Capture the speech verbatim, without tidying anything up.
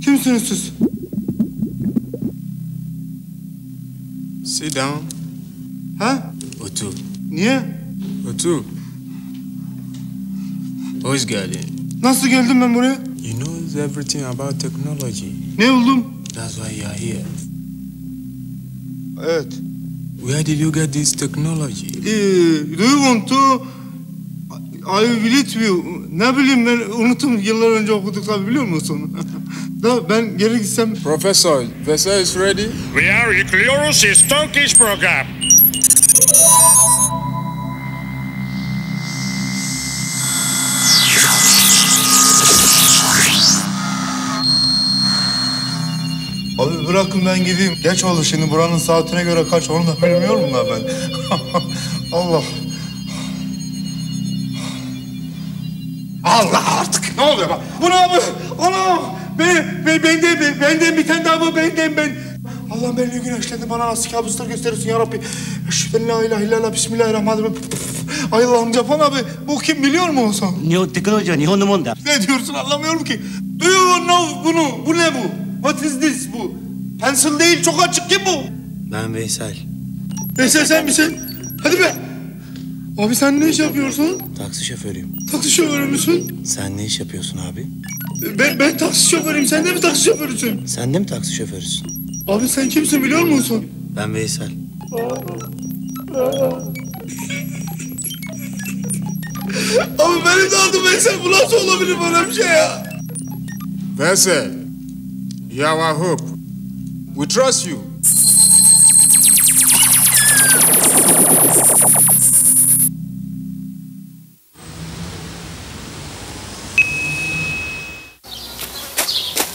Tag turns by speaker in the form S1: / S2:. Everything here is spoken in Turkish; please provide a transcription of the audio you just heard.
S1: Kimsiniz siz?
S2: Sit down.
S1: Ha?
S2: Otur.
S1: Niye?
S2: Otur. Hoş geldin.
S1: Nasıl geldim ben buraya?
S2: You know everything about technology.
S1: Ne oldum?
S2: That's why you're here.
S1: Evet.
S2: Where did you get this technology?
S1: Ee, do you want to... I will it you. Ne bileyim ben unuttum yıllar önce okuduk tabi biliyor musun? Da ben geri gitsem...
S2: Professor, vessel is ready.
S3: We are Eucliorus' Turkish program.
S1: Abi bırakın ben gideyim. Geç oldu şimdi buranın saatine göre kaç onu da bilmiyorum da ben. Allah. Allah artık ne oluyor bak. Bu ne abi? Anam. Ben, ben, benden, ben, benden bir tane daha bu benden ben. Allah beni güneşlendi bana nasıl kabuslar gösterirsin ya Rabbi. Eşhedü la ilahe illallah bismillahirrahmanirrahim. Ay Allah'ım Capan abi bu kim biliyor mu olsan?
S4: Nihon teknoloji wa Nihon no mon da.
S1: Ne diyorsun anlamıyorum ki. Do you know bunu? Bu ne bu? What is this bu? Pencil değil çok açık ki bu.
S4: Ben Veysel.
S1: Veysel sen misin? Hadi be. Abi sen ne iş yapıyorsun?
S4: Taksi şoförüyüm.
S1: Taksi şoförü müsün?
S4: Sen ne iş yapıyorsun abi?
S1: Ben, ben taksi şoförüyüm. Sen de mi taksi şoförüsün?
S4: Sen de mi taksi şoförüsün?
S1: Abi sen kimsin biliyor musun?
S4: Ben Veysel.
S1: Abi benim de adım Veysel. Bu nasıl olabilir böyle bir şey ya?
S2: Vessel, you are our hope. We trust you.